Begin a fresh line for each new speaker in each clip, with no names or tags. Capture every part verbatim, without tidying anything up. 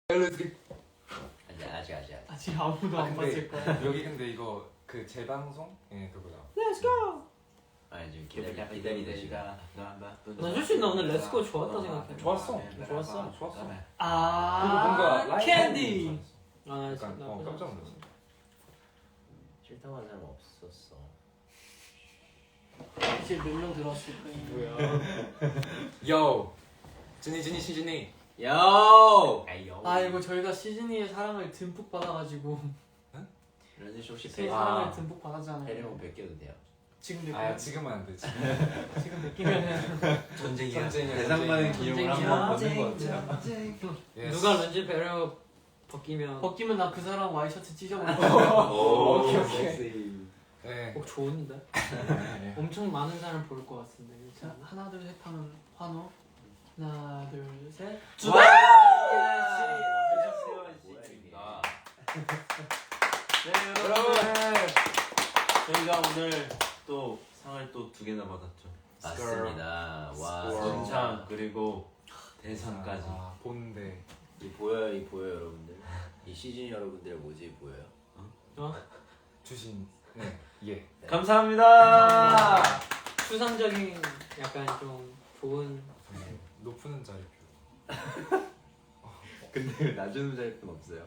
아직
아직 아직
아직 아무도 안 봤을 거야.
여기 근데 이거 그 재방송? 예 그거다.
Let's go.
아니 지금 기다리 기다리는 시간.
난 솔직히 나 오늘 Let's Go 좋았다 생각해.
좋았어.
좋았어.
좋았어. 그리고
아
뭔가 라이브
캔디.
아
아
약간 어 깜짝 놀랐어.
싫다고 하는 사람 없었어.
이제 몇 명 들어왔을 거야.
뭐야? 요 진이 진이 시진이.
요.
아 이거 저희가 시즈니의 사랑을 듬뿍 받아가지고
런쥔 씨 혹시
시즈니
배
사랑을 듬뿍 받았잖아요.
배려면 베껴도 돼요?
지금 몇
아
개?
지금은 안 되지.
지금 느끼면은
전쟁이야.
전쟁이야,
대상 받은
전쟁이야.
기념을 한번 보는 거 같아요.
Yes.
누가 런쥔 배려 벗기면
벗기면 나 그 사람 와이셔츠 찢어버려.
오,
오케이, 오케이.
섹시.
네.
꼭 좋은데?
네.
엄청 많은 사람 볼 것 같은데.
자
일단
하나 둘 셋 하면 환호. 하나 둘 셋.
와!
네 여러분 저희가 오늘 또 상을 또 두 개나 받았죠.
맞습니다. 와,
스코어.
순창 그리고 대상까지.
아, 본데.
이 보여요, 이 보여요, 여러분들. 이 시즌 여러분들 뭐지 보여요?
어?
주신 네 예.
감사합니다.
추상적인 약간 좀 좋은
네. 높은 자리표.
근데 낮은 자리는 없어요.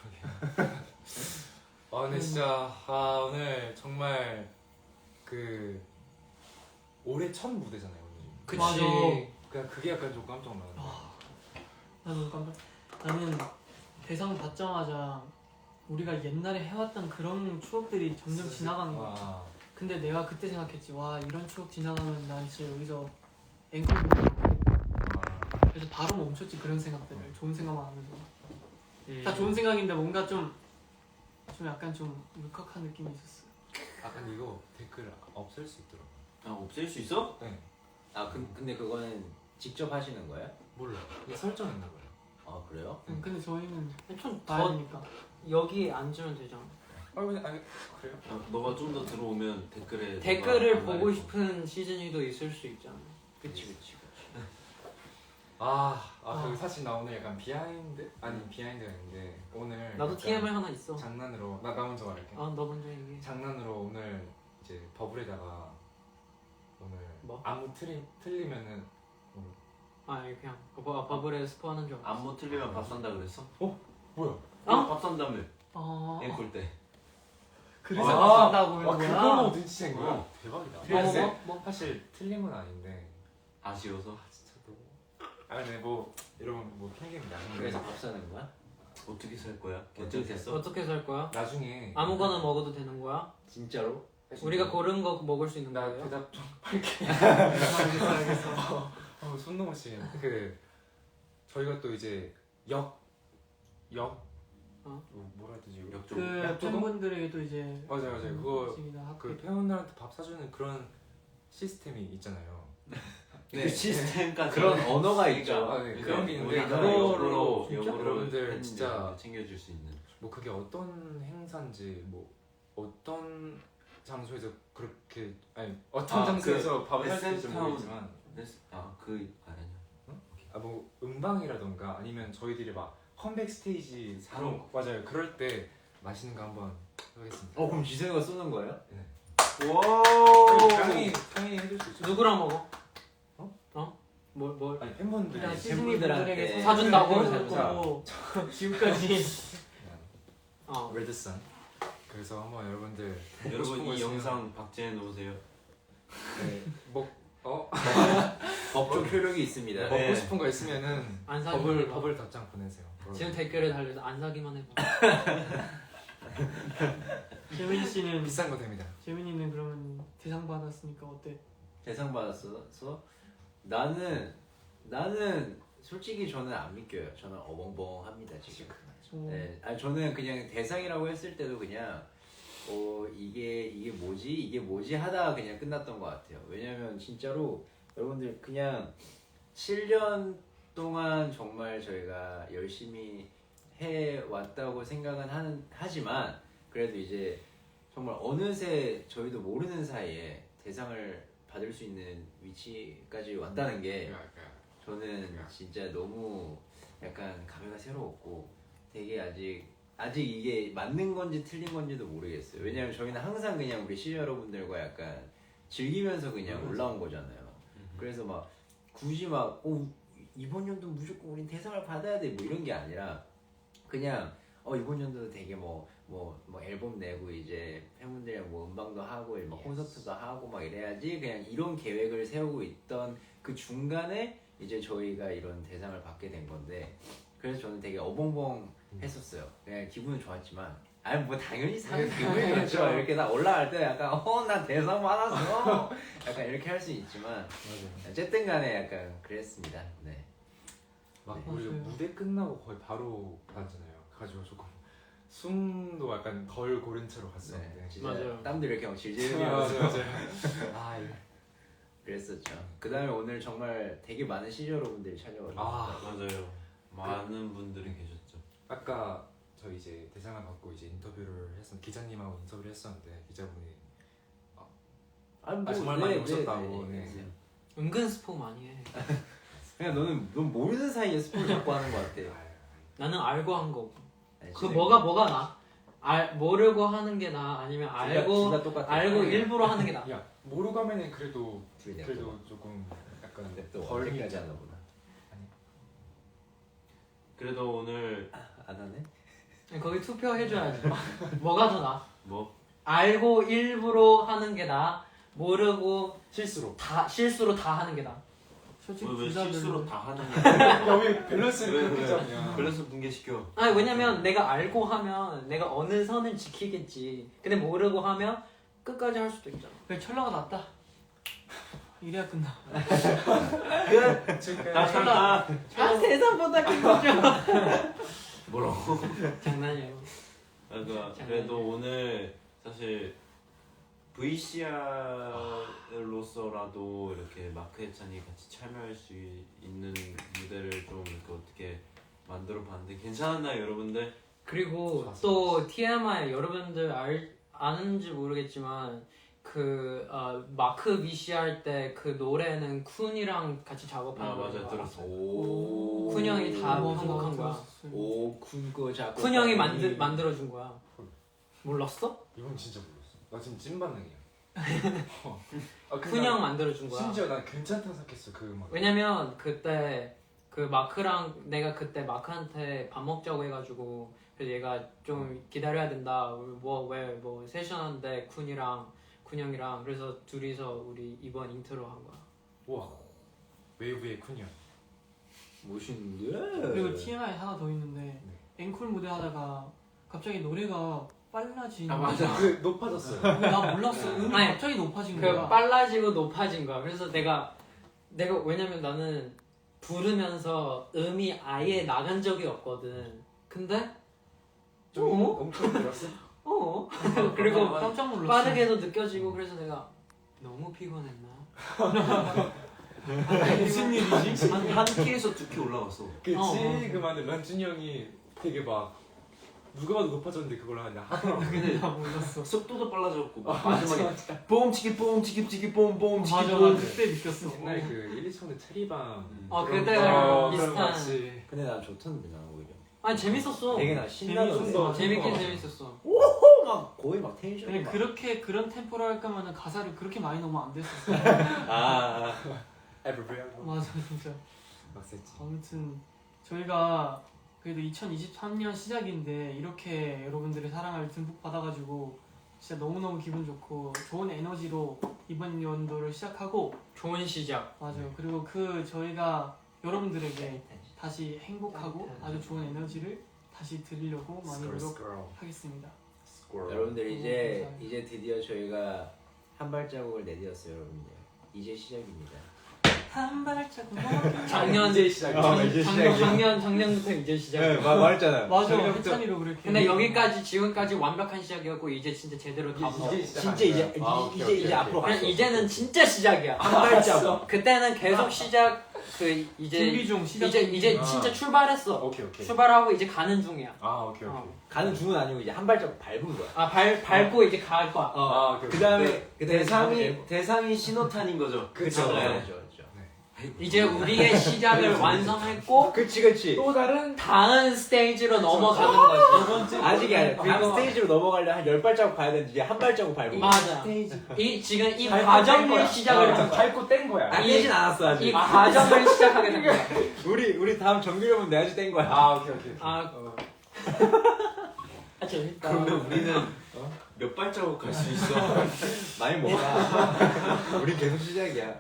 아 근데 진짜 아 오늘 정말 그 올해 첫 무대잖아요 오늘.
그치.
맞아.
그냥 그게 약간 좀 깜짝 놀랐네.
나는 깜짝. 나는 대상 받자마자 우리가 옛날에 해왔던 그런 추억들이 점점 지나가는 거야.
아,
근데 내가 그때 생각했지. 와 이런 추억 지나가면 난 진짜 여기서 앵콜 부르고
아,
그래서 바로 멈췄지. 그런 생각들을 좋은 생각만 하면서
음.
다 좋은 생각인데 뭔가 좀 좀 약간 좀 울컥한 느낌이 있었어.
아 근데 이거 댓글 없앨 수 있더라고.
아 없앨 수 있어?
네.
아, 그, 근데 그거는 직접 하시는 거예요?
몰라. 이게 설정했나 봐요.
아, 그래요?
음, 근데 저희는
좀
봐야
더
되니까.
여기 앉으면 되잖아.
아 그냥 아니 그래요?
아, 너가 좀 더 들어오면 댓글에
댓글을
너가
보고
안
싶은 시즌이도 있을 수 있잖아.
그치, 그치, 그치.
아, 아,
아.
그 사실 나 오늘 약간 비하인드? 아니 비하인드가 있는데 오늘
나도
약간
티엠알 하나 있어.
장난으로 나, 나 먼저 말할게.
아, 너 먼저 얘기해.
장난으로 오늘 이제 버블에다가 오늘
뭐?
아무 틀리, 틀리면은 뭐,
아, 이거 그냥 버, 버블에 스포하는 줄 알았어.
안무 틀리면 밥 산다 그랬어?
뭐야?
어? 밥 산다며
아
앵콜 때.
그래서
아,
맞춘다고
아
하는 거야.
그걸로 눈치챈 거야?
어.
대박이다.
뭐,
근데
뭐, 뭐?
사실 틀린 건 아닌데
아쉬워서.
아 진짜 너무 아 근데 뭐 이러면 뭐 핑계입니다. 근데
그래서 밥 사는 거야?
어떻게 살 거야?
어떻게
결정됐어?
어떻게 살 거야?
나중에
아무거나 먹어도 되는 거야?
진짜로?
우리가 고른 거 먹을 수 있는
나
거예요?
대답 좀
알겠어 알겠어.
어, 손 넘으시. 그 저희가 또 이제 역, 역,
어?
뭐, 뭐라 해야 되지?
역조.
그
약조금?
팬분들에게도 이제
맞아 맞아. 그거
있습니다.
그
학교.
팬분들한테 밥 사주는 그런 시스템이 있잖아요.
그 시스템까지.
그런 언어가 있죠.
아, 네, 그런 게 있는데
우리가
그거로
역으로
진짜
역으로
여러분들
팬분들
진짜
챙겨줄 수 있는.
뭐 그게 어떤 행사인지 뭐 어떤 장소에서 그렇게 아니 어떤
아,
장소에서 밥을
에스엠
살지
타운.
모르겠지만
아그 아니야.
아 뭐 음방이라던가 아니면 저희들이 막 컴백 스테이지 사러 맞아요 그럴 때 맛있는 거 한번 해보겠습니다.
어, 그럼 지성이가 쏘는 거예요?
와.
당연히 당연히 해줄 수 있죠.
누구랑 먹어?
어?
어? 뭘, 뭘?
아니 팬분들이
그냥
팬분들한테
시즈니분들에게
사준다고?
사준다고 지금까지
어.
레드선 그래서 한번 여러분들 먹고
여러분
싶은 거
이
있으면
영상 박제해 놓으세요.
네, 먹 어?
법적 효력이 있습니다.
먹고
네.
싶은 거 있으면은
안 사기만
버블
해봐.
버블 답장 보내세요.
지금 댓글에 달려서 안 사기만 해봐.
재민이 씨는
비싼 거 됩니다.
재민이는 그러면 대상 받았으니까 어때?
대상 받았어? 나는 나는 솔직히 저는 안 믿겨요. 저는 어벙벙합니다 지금.
어,
네, 아니 저는 그냥 대상이라고 했을 때도 그냥 어 이게 이게 뭐지 이게 뭐지 하다가 그냥 끝났던 것 같아요. 왜냐면 진짜로 여러분들 그냥 칠 년 동안 정말 저희가 열심히 해 왔다고 생각은 하는 하지만 그래도 이제 정말 어느새 저희도 모르는 사이에 대상을 받을 수 있는 위치까지 왔다는 게 저는 진짜 너무 약간 감회가 새로웠고 되게 아직 아직 이게 맞는 건지 틀린 건지도 모르겠어요. 왜냐면 저희는 항상 그냥 우리 시청자 여러분들과 약간 즐기면서 그냥 올라온 거잖아요. 그래서 막 굳이 막 어, 이번 연도 무조건 우린 대상을 받아야 돼 뭐 이런 게 아니라 그냥 어 이번 연도도 되게 뭐 뭐 뭐 앨범 내고 이제 팬분들이랑 뭐 음방도 하고 막 콘서트도 하고 막 이래야지 그냥 이런 계획을 세우고 있던 그 중간에 이제 저희가 이런 대상을 받게 된 건데 그래서 저는 되게 어벙벙 했었어요. 그냥 기분은 좋았지만 아니 뭐 당연히 상 기분이 좋죠. 이렇게 나 올라갈 때 약간 어 나 대상 받았어 약간 이렇게 할 수 있지만
맞아요.
어쨌든 간에 약간 그랬습니다. 네.
막
네.
우리가
맞아요.
무대 끝나고 거의 바로 받았잖아요. 그래가지고 조금 숨도 약간 덜 고른 채로 갔었는데.
네. 진짜
맞아요.
땀도 이렇게 막 질질
맞아요,
흘리면서
맞아요. 아, 이거.
그랬었죠. 그 다음에 오늘 정말 되게 많은 시저 여러분들이 찾아와주셨어요.
아.
맞아요. 많은 분들이 계셨죠.
아까 저 이제 대상을 받고 이제 인터뷰를 했었 기자님하고 인터뷰를 했었는데 기자분이
아니,
아, 정말 많이 오셨다고, 네.
은근 스포 많이 해.
그냥 너는 넌 모르는 사이에 스포를 자꾸 하는 것 같아.
아유,
나는 알고 한 거고.
아니,
그
진짜
뭐가
이거
뭐가 나? 알 모르고 하는 게 나? 아니면
둘 다-
알고
둘다 똑같아.
알고 일부러 하는 게 나?
야 모르고 하면은 그래도
둘이 내
그래도
거.
조금 약간
근데 또
덜
어디까지
있잖아.
하나 보다.
그래도 오늘
안 하네?
거기 투표해줘야지. 뭐가 더 나?
뭐
알고 일부러 하는 게 나? 모르고
실수로.
다 실수로 다 하는 게 나?
솔직히
왜, 왜
둘다
실수로
별로.
다 하는 거야?
야왜 밸런스를
왜,
그렇게
왜?
잡냐?
밸런스 붕괴시켜.
아니 왜냐면 내가 알고 하면 내가 어느 선을 지키겠지. 근데 모르고 하면 끝까지 할 수도 있잖아.
왜 철러가 낫다. 이래야 끝나.
다 쳤다.
아 세상보다 큰 거죠.
뭐라고?
장난이에요.
그러니까 그래도 오늘 사실 브이씨알로서라도 이렇게 마크 해찬이 같이 참여할 수 있는 무대를 좀 이렇게 어떻게 만들어 봤는데 괜찮았나요, 여러분들?
그리고
좋았어,
또 티엠아이 여러분들 알, 아는지 모르겠지만 그 어, 마크 비씨 할 때 그 노래는 쿤이랑 같이 작업한
아
거야.
맞아 들었어.
오.
쿤 형이 다
맞아,
편곡한
맞아,
거야.
들었어요.
오, 쿤거 작업.
쿤 형이 만들 만들어 준 거야. 몰랐어?
이건 진짜 몰랐어. 나 지금 찐반응이야. 어. 아, 근데
쿤
나
형 만들어 준 거야.
심지어 난 괜찮다고 생각했어 그 음악.
왜냐면 그때 그 마크랑 내가 그때 마크한테 밥 먹자고 해가지고 그래서 얘가 좀 기다려야 된다. 뭐 왜 뭐 세션한데 쿤이랑 쿤 형이랑 그래서 둘이서 우리 이번 인트로 한 거야.
우와 웨이브의 쿤이야.
멋있는데?
그리고 티엠아이 하나 더 있는데 앵콜 무대 하다가 갑자기 노래가 빨라진.
아, 맞아.
그 높아졌어요.
근데 나 몰랐어. 음이
아니,
갑자기 높아진
그
거야.
빨라지고 높아진 거야. 그래서 내가 내가 왜냐면 나는 부르면서 음이 아예 나간 적이 없거든. 근데
좀
어?
엄청 들었어?
어 그리고
깜짝 놀랐어.
빠르게도 느껴지고 그래서 내가 너무 피곤했나?
무슨 일이지?
한, 한 키에서 두 키 올라갔어.
그
어, 어.
지금한테 런쥔이 형이 되게 막 누가 봐도 높아졌는데 그걸 하냐 하더라고.
근데
나 몰랐어.
속도도 빨라졌고
아,
마지막에 뽕치기 뽕치기 치기 뽕뽕치기
맞아,
뽕.
나 그때 느꼈어.
옛날에 그 일, 이 천의 체리밤
어,
그런
그때
거,
비슷한.
그런 거 같이.
근데 난 좋던데 난 오히려.
아니 재밌었어.
되게 나 신나던데.
재밌었어.
재밌긴
어.
재밌었어.
오, 막 거의 막 텐션이
근데
막.
그렇게 그런 템포로 할 거면은 가사를 그렇게 많이 넣으면 안 됐었어.
아,
Everywhere
맞아, 진짜.
막 셌지.
아무튼 저희가 그래도 이천이십삼 년 시작인데 이렇게 여러분들의 사랑을 듬뿍 받아가지고 진짜 너무너무 기분 좋고 좋은 에너지로 이번 연도를 시작하고
좋은 시작.
맞아요. 그리고 그 저희가 여러분들에게 다시 행복하고 아주 좋은 에너지를 다시 드리려고 많이 노력하겠습니다.
여러분들 이제
감사합니다.
이제 드디어 저희가 한 발자국을 내디뎠어요, 여러분들. 이제 시작입니다.
한 발자국
작년
이제 시작이야.
아, 이제
작년
시작이야.
작년 작년부터 이제 시작.
말했잖아.
맞아, 해찬이로 그렇게.
근데 여기까지 지금까지 완벽한 시작이었고 이제 진짜 제대로 다
이제
먹어.
시작.
진짜 이제
아,
이-
오케이,
이제
오케이,
이제
오케이.
앞으로
그냥
갔어.
이제는 진짜 시작이야.
한 발자국.
그때는 계속 시작 그 이제
준비 중 시작.
이제 이제
아.
진짜 출발했어.
오케이 오케이.
출발하고 이제 가는 중이야.
아 오케이 오케이.
어.
가는 중은 아니고 이제 한 발자국 밟은 거야.
아 발 밟고 이제 갈 거야.
아 오케이.
그 다음에
대상이 대상이 신호탄인 거죠.
그쵸.
그렇죠,
네.
그렇죠, 그렇죠.
이제 우리의 시작을 완성했고
그치 그치.
또 다른
다음 스테이지로 넘어가는 거지.
아직이 아니야. 다음
그리고-
스테이지로 넘어가려면 한 열 발자국 가야 되는데 이제 한 발자국 밟고.
맞아. 이 지금 이
밟고 뗀
과정을
거야.
시작을
어,
한 거야.
밟고 뗀 거야.
안 되진 않았어 아직.
이 과정을 시작하게 된 거야.
우리 우리 다음 정규력은 내가 아직 뗀 거야.
아 오케이 오케이.
아, 아 재밌다.
그러면 우리는 몇 발자국 갈 수 있어?
많이 못 가. 우리 계속 시작이야.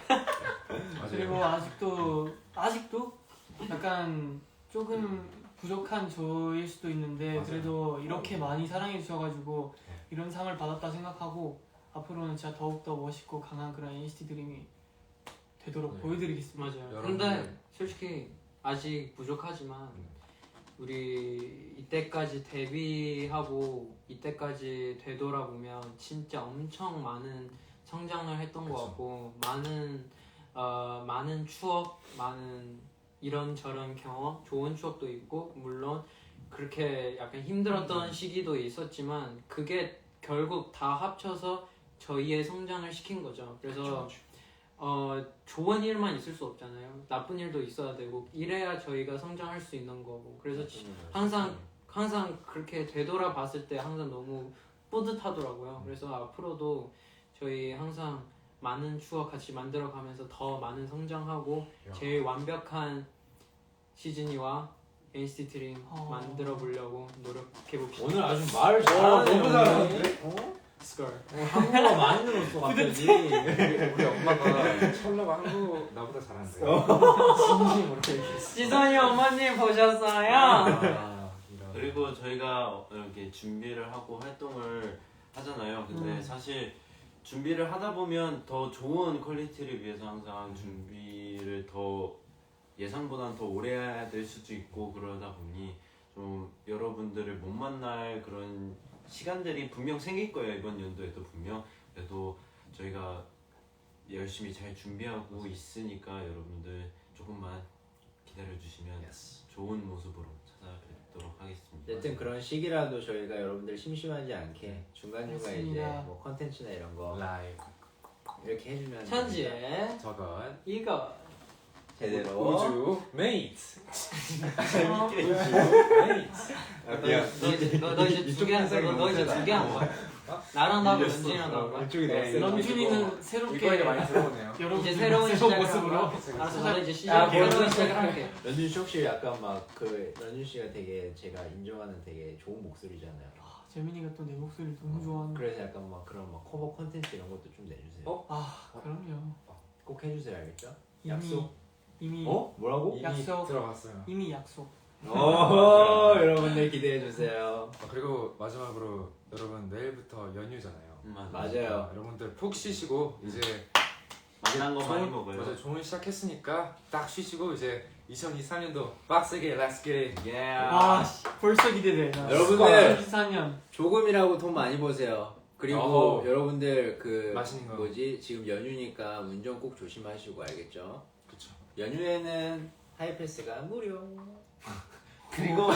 그리고 아직도 아직도 약간 조금 부족한 저일 수도 있는데
맞아요.
그래도 이렇게 많이 사랑해 주셔가지고 이런 상을 받았다 생각하고 앞으로는 진짜 더욱 더 멋있고 강한 그런 엔시티 드림이 되도록
네.
보여드리겠습니다.
맞아요.
여러분들-
근데 솔직히 아직 부족하지만 우리 이때까지 데뷔하고 이때까지 되돌아보면 진짜 엄청 많은 성장을 했던 것
그쵸.
같고 많은 어, 많은 추억, 많은 이런저런 경험, 좋은 추억도 있고 물론 그렇게 약간 힘들었던 시기도 있었지만 그게 결국 다 합쳐서 저희의 성장을 시킨 거죠. 그래서 어, 좋은 일만 있을 수 없잖아요. 나쁜 일도 있어야 되고 이래야 저희가 성장할 수 있는 거고. 그래서 지- 항상 항상 그렇게 되돌아봤을 때 항상 너무 뿌듯하더라고요. 그래서 앞으로도 저희 항상 많은 추억 같이 만들어가면서 더 많은 성장하고
야.
제일 완벽한 시즈니와 엔시티 드림
어.
만들어 보려고 노력해 봅시다.
오늘 아주 말 잘하네.
너무 잘하는데?
스컬.
한국어 많이 늘었어 갑자기.
우리 엄마가 철러가 한국 나보다 잘한대. 진심으로 얘기했어.
지선이 어머님 보셨어요?
아, 이런.
그리고 저희가 이렇게 준비를 하고 활동을 하잖아요. 근데
음.
사실 준비를 하다 보면 더 좋은 퀄리티를 위해서 항상 준비를 더 예상보다는 더 오래 해야 될 수도 있고 그러다 보니 좀 여러분들을 못 만날 그런 시간들이 분명 생길 거예요. 이번 연도에도 분명. 그래도 저희가 열심히 잘 준비하고 있으니까 여러분들 조금만 기다려주시면 좋은 모습으로 찾아뵙도록 하겠습니다.
어쨌든 그런 시기라도 저희가 여러분들 심심하지 않게 중간중간 이제
맞습니다.
뭐 컨텐츠나 이런 거
라이브
이렇게 해주면
천지에
저건
이거
제대로
우주 메이트.
어,
메이트.
아,
너,
미안.
너, 너, 너 이제 두 개 한 거야? 너, 너 이제 두 개 한 거야? 나랑 나하고 연준이랑 나온 거야?
이쪽이
네,
너무
런쥔이는 새롭게
이거 이제 많이 들어오네요.
여러분
이제 새로운
새로운
시작을
모습으로
모습으로 알았어 나도 이제
아,
시작 새로운
뭐야.
시작을 할게.
런쥔 씨 혹시 약간 막 그 런쥔 씨가 되게 제가 인정하는 되게 좋은 목소리잖아요.
아, 재민이가 또 내 목소리 너무 좋아하는.
그래서 약간 막 그런 막 커버 컨텐츠 이런 것도 좀 내주세요.
어?
아 그럼요.
꼭 해주세요, 알겠죠?
이미
약속.
이미
어? 뭐라고?
이미
약속.
들어갔어요.
이미 약속.
오, 여러분들 기대해 주세요.
아, 그리고 마지막으로 여러분 내일부터 연휴잖아요.
음, 맞아.
맞아요.
여러분들 푹 쉬시고 이제
맛난 거 많이
좋은-
먹어요.
맞아요. 좋은 시작했으니까 딱 쉬시고 이제 이천이십삼 년도 빡세게 Let's get it.
예.
와 씨, 벌써 기대돼. 나.
여러분들.
이천이십사 년.
조금이라고 돈 많이 버세요. 그리고
어허.
여러분들 그
맛있는 거.
뭐지 지금 연휴니까 운전 꼭 조심하시고 알겠죠?
그쵸.
연휴에는 하이패스가 무료.
그리고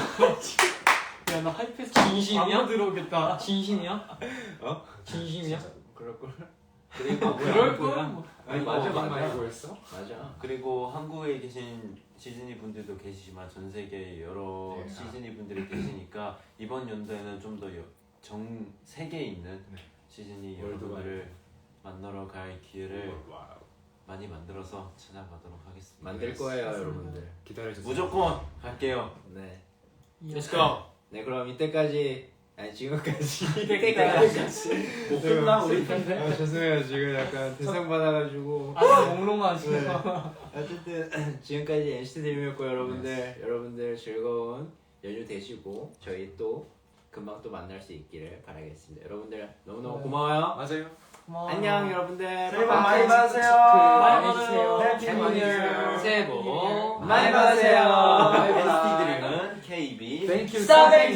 야나 하이패스
진심이야?
광고 들어오겠다.
진심이야?
어?
진심이야?
그럴 걸.
그리고
그럴 거야. 뭐.
아니 맞아
어디
맞아.
많이 보였어?
맞아.
그리고 한국에 계신 시즈니 분들도 계시지만 전 세계 여러
네.
시즈니 분들이 계시니까 이번 연도에는 좀 더 전 세계에 있는
네.
시즈니
월드와이드.
여러분들을 만나러 갈 기회를
와우.
많이 만들어서 찾아가도록 하겠습니다.
만들 거예요 여러분들.
기다려주세요.
무조건 갈게요.
네.
Let's go.
네 그럼 이때까지 아니 지금까지
이때까지.
못 끝나 우리
아, 죄송해요 지금 약간 대상 받아가지고
아직 몽롱하지.
네. 어쨌든 지금까지 엔시티 드림이었고 여러분들 여러분들 즐거운 연휴 되시고 저희 또 금방 또 만날 수 있기를 바라겠습니다. 여러분들 너무너무
네.
고마워요.
맞아요.
고마워.
안녕 여러분들.
새해 복
바이바이.
많이 받으세요.
많이
해주세요.
받으세요.
해피
많이
뉴 이어.
해주세요.
새해 복
많이 받으세요.
엔시티 드림은 케이비
Thank you.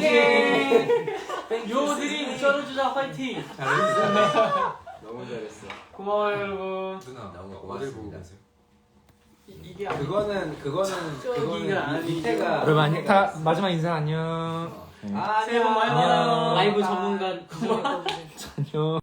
스타뱅킹. 요드림 쩔어주자 화이팅.
너무 잘했어.
고마워요 여러분.
누나
너무
어딜 보고
고맙습니다.
계세요?
이, 이게 아니-
그거는 그거는 그거는
아니죠.
밑에가
여러분 안녕. 다 마지막 인사 안녕.
새해 복 많이
안녕.
받아요.
라이브 전문가
안녕.